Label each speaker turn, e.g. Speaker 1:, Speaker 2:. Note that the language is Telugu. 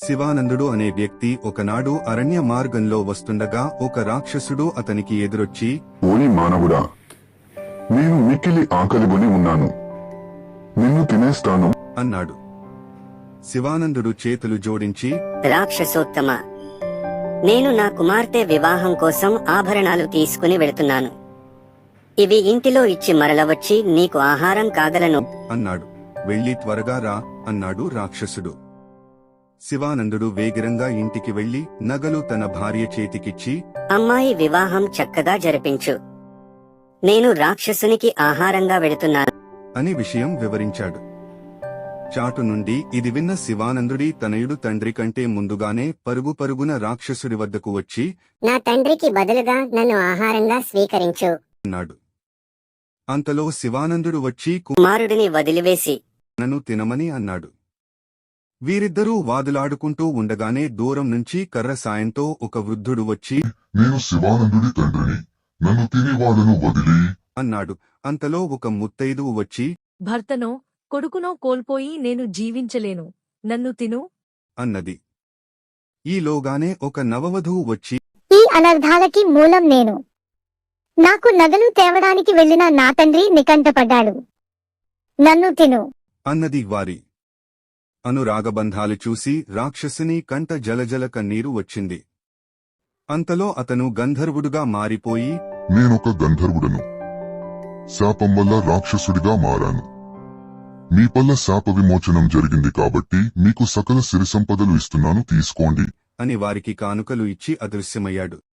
Speaker 1: శివానందుడు అనే వ్యక్తి ఒకనాడు అరణ్య మార్గంలో వస్తుండగా ఒక రాక్షసుడు అతనికి ఎదురొచ్చి,
Speaker 2: ఓరి మానవుడా, నేను మిక్కిలి ఆకలిగొని ఉన్నాను, నిన్ను తినేస్తాను
Speaker 1: అన్నాడు. శివానందుడు చేతులు జోడించి,
Speaker 3: రాక్షసోత్తమ, నేను నా కుమార్తె వివాహం కోసం ఆభరణాలు తీసుకుని వెళుతున్నాను. ఇవి ఇంటిలో ఇచ్చి మరలవచ్చి నీకు ఆహారం కాగలను
Speaker 1: అన్నాడు. వెళ్ళి త్వరగా రా అన్నాడు రాక్షసుడు. శివానందుడు వేగిరంగా ఇంటికి వెళ్లి నగలు తన భార్య చేతికిచ్చి,
Speaker 3: అమ్మాయి వివాహం చక్కగా జరిపించు, నేను రాక్షసునికి ఆహారంగా వెళుతున్నాను
Speaker 1: అని విషయం వివరించాడు. చాటు నుండి ఇది విన్న శివానందుడి తనయుడు తండ్రి కంటే ముందుగానే పరుగున రాక్షసుడి వద్దకు వచ్చి,
Speaker 4: నా తండ్రికి బదులుగా నన్ను ఆహారంగా స్వీకరించు
Speaker 1: అన్నాడు. అంతలో శివానందుడు వచ్చి
Speaker 3: కుమారుడిని వదిలివేసి
Speaker 1: నన్ను తినమని అన్నాడు. వీరిద్దరూ వాదులాడుకుంటూ ఉండగానే దూరం నుంచి కర్ర సాయంతో ఒక వృద్ధుడు వచ్చి,
Speaker 2: నేను శివానందుడి తండ్రిని, నన్ను తిని వాళ్ళను వదిలి
Speaker 1: అన్నాడు. అంతలో ఒక ముత్తైదువు వచ్చి,
Speaker 5: భర్తనో కొడుకునో కోల్పోయి నేను జీవించలేను, నన్ను తిను
Speaker 1: అన్నది. ఈలోగానే ఒక నవవధువు వచ్చి,
Speaker 4: ఈ అనర్థాలకి మూలం నేను. నాకు నగలు తేవడానికి వెళ్లిన నా తండ్రి నికంటపడ్డాడు, నన్ను తిను
Speaker 1: అన్నది. వారి అనురాగబంధాలు చూసి రాక్షసుని కంట జలజల కన్నీరు వచ్చింది. అంతలో అతను గంధర్వుడుగా మారిపోయి,
Speaker 2: నేనొక గంధర్వుడను, శాపం వల్ల రాక్షసుడిగా మారాను. మీ పల్ల శాప విమోచనం జరిగింది కాబట్టి మీకు సకల సిరి సంపదలు ఇస్తున్నాను, తీసుకోండి
Speaker 1: అని వారికి కానుకలు ఇచ్చి అదృశ్యమయ్యాడు.